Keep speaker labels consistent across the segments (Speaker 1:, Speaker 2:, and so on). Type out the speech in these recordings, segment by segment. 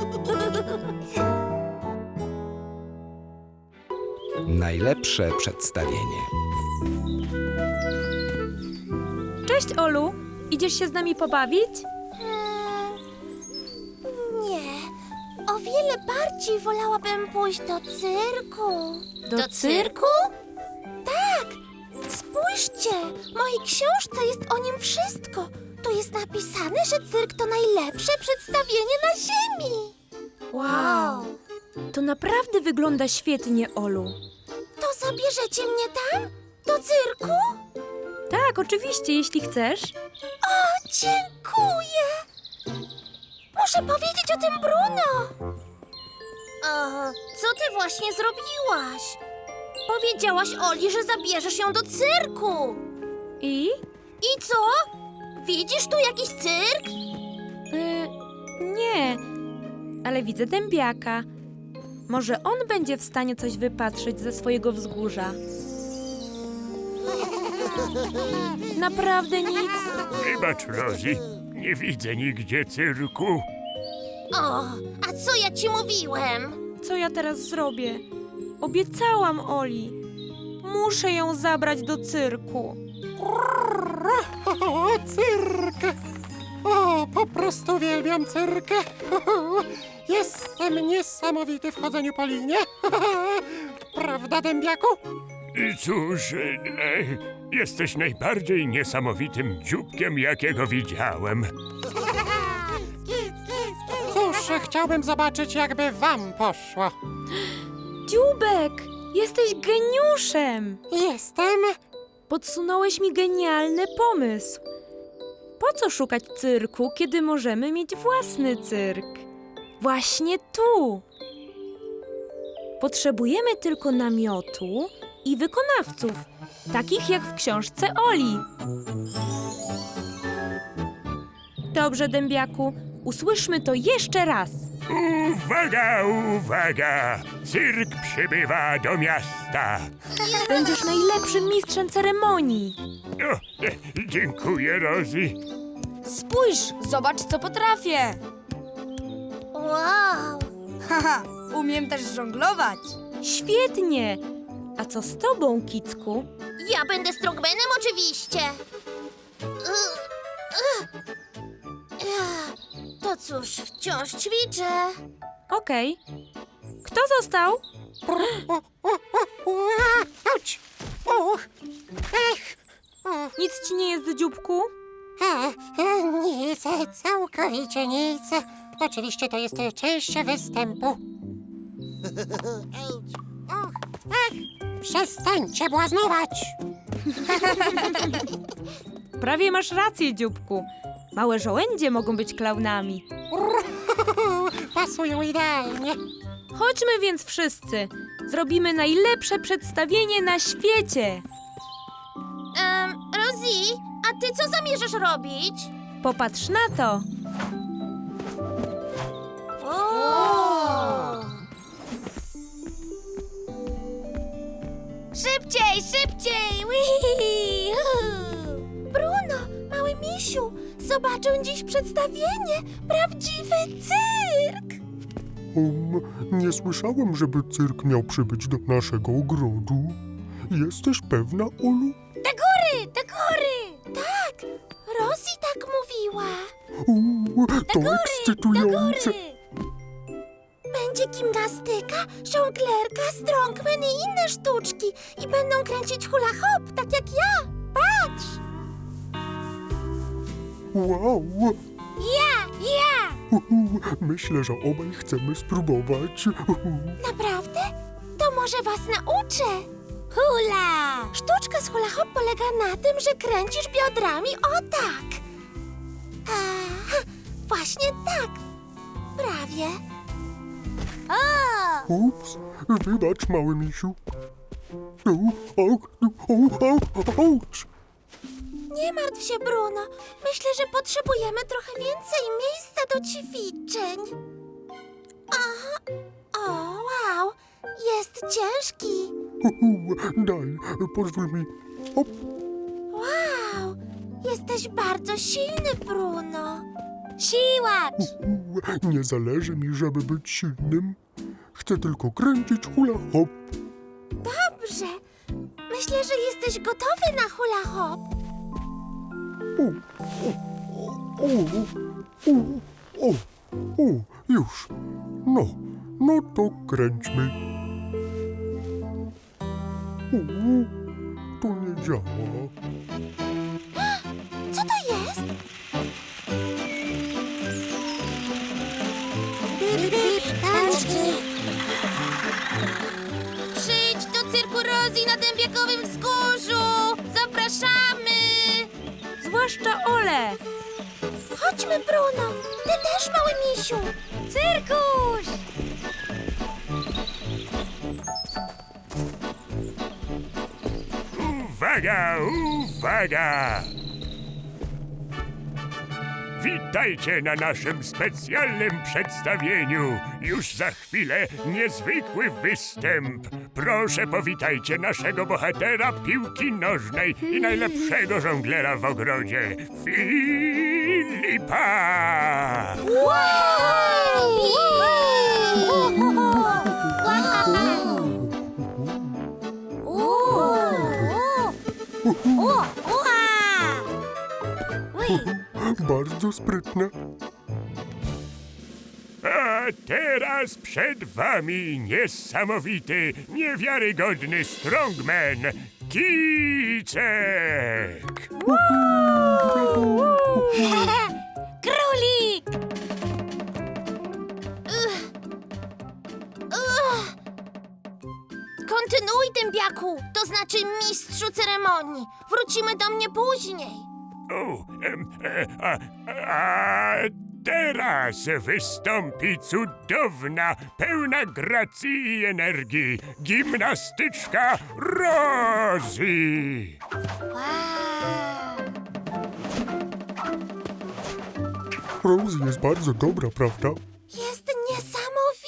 Speaker 1: Najlepsze przedstawienie.
Speaker 2: Cześć, Olu. Idziesz się z nami pobawić?
Speaker 3: Nie. O wiele bardziej wolałabym pójść do cyrku.
Speaker 2: Do cyrku?
Speaker 3: Tak. Spójrzcie. W mojej książce jest o nim wszystko. Tu jest napisane, że cyrk to najlepsze przedstawienie na ziemi.
Speaker 2: Wow. To naprawdę wygląda świetnie, Olu.
Speaker 3: To zabierzecie mnie tam? Do cyrku?
Speaker 2: Tak, oczywiście, jeśli chcesz.
Speaker 3: O, dziękuję. Muszę powiedzieć o tym Bruno. Co ty właśnie zrobiłaś? Powiedziałaś Oli, że zabierzesz ją do cyrku.
Speaker 2: I?
Speaker 3: I co? Widzisz tu jakiś cyrk?
Speaker 2: Nie, ale widzę dębiaka. Może on będzie w stanie coś wypatrzyć ze swojego wzgórza. Naprawdę nic?
Speaker 4: Wybacz, Rosie, nie widzę nigdzie cyrku.
Speaker 3: O, a co ja ci mówiłem?
Speaker 2: Co ja teraz zrobię? Obiecałam Oli. Muszę ją zabrać do cyrku.
Speaker 5: O, cyrk! O, po prostu uwielbiam cyrk! Jestem niesamowity w chodzeniu po linie. Prawda, dębiaku?
Speaker 4: Cóż, jesteś najbardziej niesamowitym dzióbkiem, jakiego widziałem.
Speaker 5: Cóż, chciałbym zobaczyć, jakby wam poszło.
Speaker 2: Dziubek, jesteś geniuszem!
Speaker 5: Jestem...
Speaker 2: Podsunąłeś mi genialny pomysł. Po co szukać cyrku, kiedy możemy mieć własny cyrk? Właśnie tu. Potrzebujemy tylko namiotu i wykonawców, takich jak w książce Oli. Dobrze, dębiaku, usłyszmy to jeszcze raz.
Speaker 4: Uwaga, uwaga! Cyrk przybywa do miasta.
Speaker 2: Będziesz najlepszym mistrzem ceremonii.
Speaker 4: O, dziękuję, Rosie.
Speaker 6: Spójrz, zobacz, co potrafię.
Speaker 3: Wow.
Speaker 6: Haha, umiem też żonglować.
Speaker 2: Świetnie! A co z tobą, Kicku?
Speaker 3: Ja będę strongmanem oczywiście. To cóż, wciąż ćwiczę.
Speaker 2: Okej. Kto został?
Speaker 5: Auć! Uch! Ech!
Speaker 2: Nic ci nie jest, dzióbku?
Speaker 5: Nic, całkowicie nic. Oczywiście to jest część występu. Och, przestańcie błaznować!
Speaker 2: Prawie masz rację, dzióbku. Małe żołędzie mogą być klaunami.
Speaker 5: Pasują idealnie.
Speaker 2: Chodźmy więc wszyscy. Zrobimy najlepsze przedstawienie na świecie.
Speaker 3: Rosie, a ty co zamierzasz robić?
Speaker 2: Popatrz na to.
Speaker 3: Szybciej, szybciej! Wii! Bruno, mały misiu, zobaczę dziś przedstawienie. Prawdziwy cyrk!
Speaker 7: Nie słyszałem, żeby cyrk miał przybyć do naszego ogrodu. Jesteś pewna, Olu?
Speaker 3: Do góry, do góry! Tak, Rosie tak mówiła.
Speaker 7: To ekscytujące.
Speaker 3: Będzie gimnastyka, żonglerka, strongman i inne sztuczki. I będą kręcić hula hop, tak jak ja. Patrz!
Speaker 7: Wow!
Speaker 3: Ja!
Speaker 7: Myślę, że obaj chcemy spróbować.
Speaker 3: Naprawdę? To może was nauczę. Hula! Sztuczka z hula hop polega na tym, że kręcisz biodrami o tak. Właśnie tak. Prawie.
Speaker 7: Ups, wybacz, mały misiu. Auć!
Speaker 3: Nie martw się, Bruno. Myślę, że potrzebujemy trochę więcej miejsca do ćwiczeń. O, wow. Jest ciężki.
Speaker 7: Daj, pozwól mi. Hop,
Speaker 3: Wow. Jesteś bardzo silny, Bruno. Siłacz!
Speaker 7: Nie zależy mi, żeby być silnym. Chcę tylko kręcić hula hop.
Speaker 3: Dobrze. Myślę, że jesteś gotowy na hula hop.
Speaker 7: O, już. No to kręćmy. To nie działa.
Speaker 3: Co to jest? Przyjdź do cyrku Rosie na Dębiakowym Wzgórzu! Zapraszamy!
Speaker 2: Zwłaszcza Ole.
Speaker 3: Chodźmy, Bruno! Ty też, mały misiu! Cyrkuś!
Speaker 4: Uwaga, uwaga! Witajcie na naszym specjalnym przedstawieniu. Już za chwilę niezwykły występ. Proszę powitajcie naszego bohatera piłki nożnej i najlepszego żonglera w ogrodzie, Filipa!
Speaker 7: Bardzo sprytne.
Speaker 4: A teraz przed wami niesamowity, niewiarygodny strongman, Kicek!
Speaker 3: Królik! Kontynuuj, dębiaku, to znaczy mistrzu ceremonii. Wrócimy do mnie później.
Speaker 4: O, a teraz wystąpi cudowna, pełna gracji i energii gimnastyczka Rosie.
Speaker 7: Rosie jest bardzo dobra, prawda?
Speaker 3: Jest niesamowita.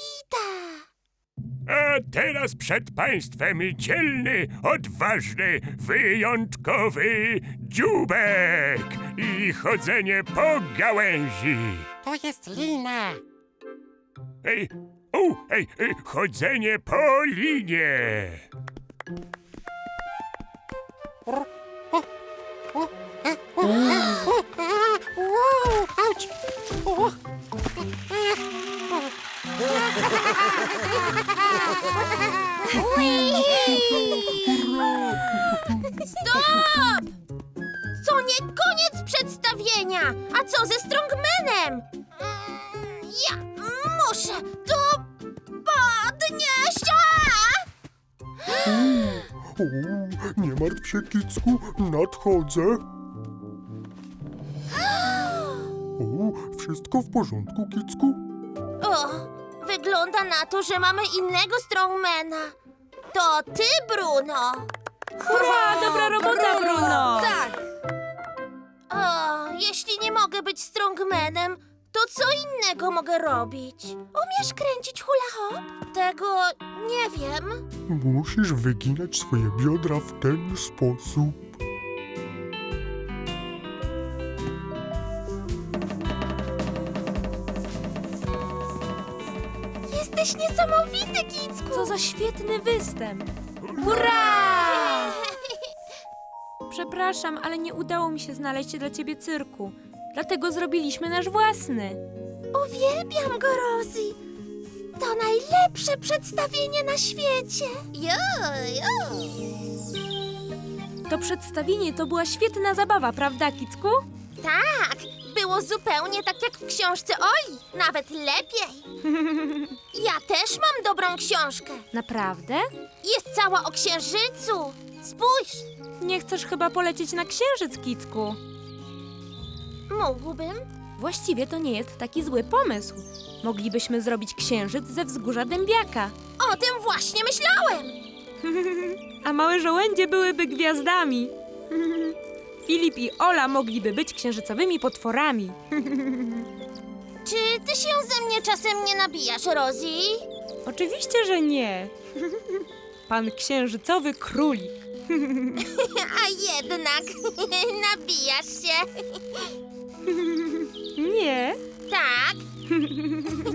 Speaker 4: A teraz przed państwem dzielny, odważny, wyjątkowy dzióbek i chodzenie po gałęzi.
Speaker 5: To jest lina.
Speaker 4: Chodzenie po linie.
Speaker 5: Auć! O.
Speaker 3: Stop! To nie koniec przedstawienia. A co ze strongmanem? Ja muszę to podnieść.
Speaker 7: O, nie martw się, Kicku, nadchodzę. O, wszystko w porządku, Kicku?
Speaker 3: O, wygląda na to, że mamy innego strongmana. To ty, Bruno.
Speaker 2: Hurra, dobra robota, Bruno.
Speaker 6: Tak!
Speaker 3: O, jeśli nie mogę być strongmanem, to co innego mogę robić? Umiesz kręcić hula hop? Tego nie wiem.
Speaker 7: Musisz wyginać swoje biodra w ten sposób.
Speaker 3: Jesteś niesamowity, Kicku.
Speaker 2: Co za świetny występ. Hurra! Przepraszam, ale nie udało mi się znaleźć dla ciebie cyrku. Dlatego zrobiliśmy nasz własny.
Speaker 3: Uwielbiam go, Rosie. To najlepsze przedstawienie na świecie.
Speaker 2: To przedstawienie to była świetna zabawa, prawda, Kicku?
Speaker 3: Tak, było zupełnie tak jak w książce Oli. Nawet lepiej. Ja też mam dobrą książkę.
Speaker 2: Naprawdę?
Speaker 3: Jest cała o księżycu. Spójrz,
Speaker 2: Nie chcesz chyba polecieć na księżyc, Kicku?
Speaker 3: mógłbym.
Speaker 2: Właściwie to nie jest taki zły pomysł. Moglibyśmy zrobić księżyc ze wzgórza Dębiaka.
Speaker 3: O tym właśnie myślałem.
Speaker 2: A małe żołędzie byłyby gwiazdami. Filip i Ola mogliby być księżycowymi potworami.
Speaker 3: Czy ty się ze mnie czasem nie nabijasz, Rosie?
Speaker 2: Oczywiście, że nie. Pan księżycowy królik.
Speaker 3: A jednak nabijasz się.
Speaker 2: Nie?
Speaker 3: Tak.